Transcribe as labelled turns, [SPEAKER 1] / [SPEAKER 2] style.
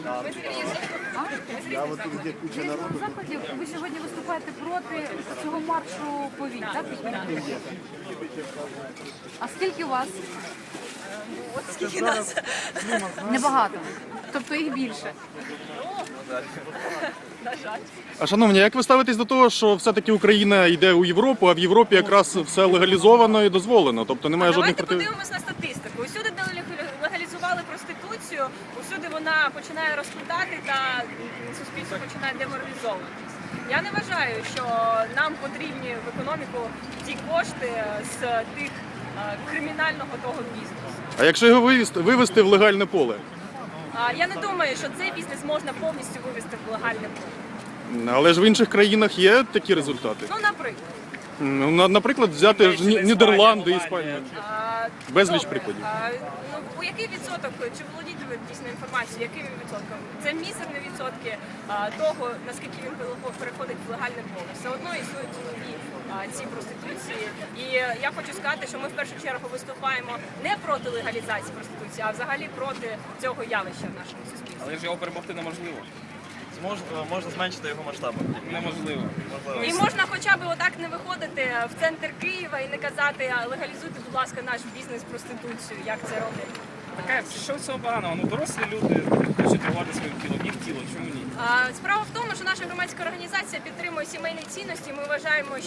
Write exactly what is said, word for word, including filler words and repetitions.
[SPEAKER 1] Я вот тут, где куча народу.
[SPEAKER 2] Заходів ви сьогодні виступаєте проти цього маршу повінь, так? А скільки у вас?
[SPEAKER 3] От скільки нас.
[SPEAKER 2] Небагато. Тобто їх більше.
[SPEAKER 3] На жаль.
[SPEAKER 4] А шановні, як ви ставитесь до того, що все-таки Україна йде у Європу, а в Європі якраз все легалізовано і дозволено, тобто немає жодних
[SPEAKER 3] Давайте
[SPEAKER 4] против...
[SPEAKER 3] подивимось на статистику. Усюди, де легалізували проституцію, усюди вона починає розквітати та суспільство починає деморалізовуватись. Я не вважаю, що нам потрібні в економіку ті кошти з тих е, кримінального того бізнесу.
[SPEAKER 4] А якщо його вивести, вивести в легальне поле?
[SPEAKER 3] А я не думаю, що цей бізнес можна повністю вивести в легальне поле.
[SPEAKER 4] Але ж в інших країнах є такі результати.
[SPEAKER 3] Ну, наприклад.
[SPEAKER 4] Ну, на- Наприклад, взяти ж Ні- Нідерланди, Іспанію.
[SPEAKER 3] А,
[SPEAKER 4] Безліч
[SPEAKER 3] добре.
[SPEAKER 4] прикладів.
[SPEAKER 3] А, ну, у який відсоток, чи володієте ви дійсно інформацією, яким відсотком? Це мізерні відсотки а, того, наскільки він переходить в легальне поле. Все одно існують нові а, ці проституції. І я хочу сказати, що ми в першу чергу виступаємо не проти легалізації проституції, а взагалі проти цього явища в нашому суспільстві.
[SPEAKER 5] Але ж його перемогти неможливо.
[SPEAKER 6] Змож, можна зменшити його масштаби.
[SPEAKER 5] Неможливо.
[SPEAKER 3] І можна хоча б отак не виходити в центр Києва і не казати, «А, легалізуйте, будь ласка, наш бізнес проституцію, як це роблять.
[SPEAKER 5] Таке, що цього поганого? Ну, дорослі люди хочуть торгувати своїм тілом, їх тіло, чому ні?
[SPEAKER 3] А, Справа в тому, що наша громадська організація підтримує сімейні цінності. Ми вважаємо,